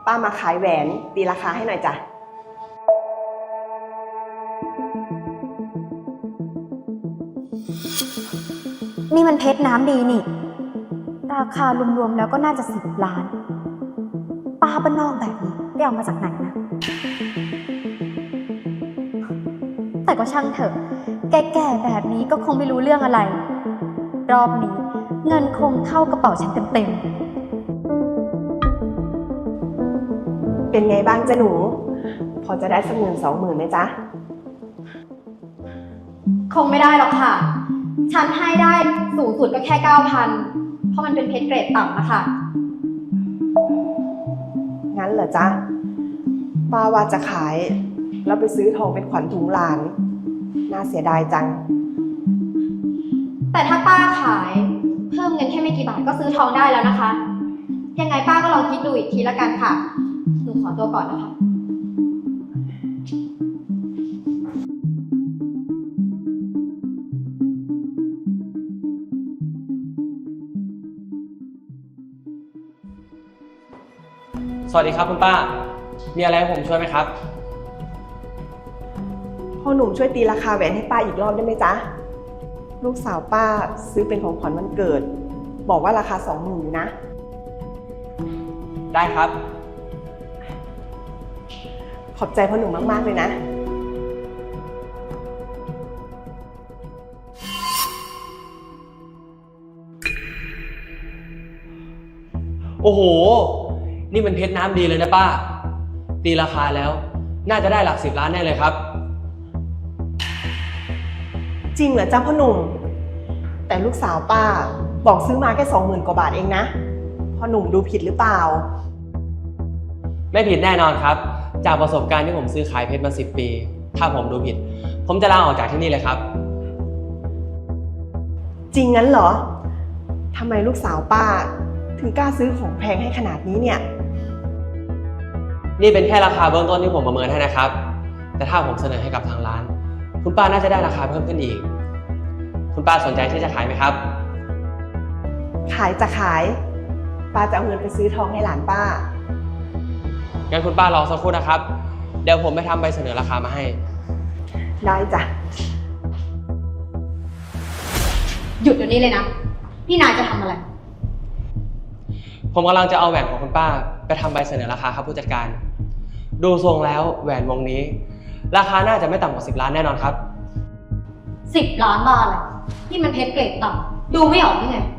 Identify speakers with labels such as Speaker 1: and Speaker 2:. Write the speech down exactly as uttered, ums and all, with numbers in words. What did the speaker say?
Speaker 1: ป้ามาขายแหวนตีราคาให้หน่อยจ้ะ
Speaker 2: นี่มันเพชรน้ำดีนี่ราคารวมๆแล้วก็น่าจะสิบล้านป้าบ้านนอกแบบนี้ได้เอามาจากไหนนะแต่ก็ช่างเถอะแก่ๆแบบนี้ก็คงไม่รู้เรื่องอะไรรอบนี้เงินคงเข้ากระเป๋าฉันเต็ม
Speaker 1: ๆเป็นไงบ้างจ๊ะหนูพอจะได้สักหมื่นสองหมื่นไหมจ๊ะ
Speaker 2: คงไม่ได้หรอกค่ะฉันให้ได้สูงสุดก็แค่เก้าพันเพราะมันเป็นเพชรเกรดต่ำนะคะ
Speaker 1: งั้นเหรอจ๊ะป้าว่าจะขายแล้วไปซื้อทองเป็นขวัญถุงหลานน่าเสียดายจัง
Speaker 2: แต่ถ้าป้าขายเพิ่มเงินแค่ไม่กี่บาทก็ซื้อทองได้แล้วนะคะยังไงป้าก็ลองคิดดูอีกทีละกันค่ะหนูขอตัวก่อนนะคะ
Speaker 3: สวัสดีครับคุณป้ามีอะไรให้ผมช่วยไหมครับ
Speaker 1: พ่อหนุ่มช่วยตีราคาแหวนให้ป้าอีกรอบได้ไหมจ๊ะลูกสาวป้าซื้อเป็นของขวัญวันเกิดบอกว่าราคาสองหมื่นอยู่นะ
Speaker 3: ได้ครับ
Speaker 1: ขอบใจพ่อหนุ่มมากๆเลยนะ
Speaker 3: โอ้โหนี่มันเพชรน้ำดีเลยนะป้าตีราคาแล้วน่าจะได้หลักสิบล้านแน่เลยครับ
Speaker 1: จริงเหรอจ๊ะพ่อหนุ่มแต่ลูกสาวป้าบอกซื้อมาแค่สองหมื่นกว่าบาทเองนะพ่อหนุ่มดูผิดหรือเปล่า
Speaker 3: ไม่ผิดแน่นอนครับจากประสบการณ์ที่ผมซื้อขายเพชรมาสิบปีถ้าผมดูผิดผมจะลาออกจากที่นี่เลยครับ
Speaker 1: จริงงั้นเหรอทำไมลูกสาวป้าถึงกล้าซื้อของแพงให้ขนาดนี้เนี่ย
Speaker 3: นี่เป็นแค่ราคาเบื้องต้นที่ผมประเมินให้นะครับแต่ถ้าผมเสนอให้กับทางร้านคุณป้าน่าจะได้ราคาเพิ่มขึ้นอีกคุณป้าสนใจที่จะขายไหมครับ
Speaker 1: ขายจะขายป้าจะเอาเงินไปซื้อทองให้หลานป้า
Speaker 3: งั้นคุณป้ารอสักครู่นะครับเดี๋ยวผมไปทำใบเสนอราคามาให้
Speaker 1: ได้จ้ะ
Speaker 2: หยุดเดี๋ยวนี้เลยนะนี่นายจะทำอะไร
Speaker 3: ผมกำลังจะเอาแหวนของคุณป้าไปทำใบเสนอราคาครับผู้จัดการดูทรงแล้วแหวนวงนี้ราคาน่าจะไม่ต่ำกว่าสิบล้านแน่นอนครับ
Speaker 2: สิบล้านบาทเลยนี่มันเพชรเกรดต่ำดูไม่ออกได้ไง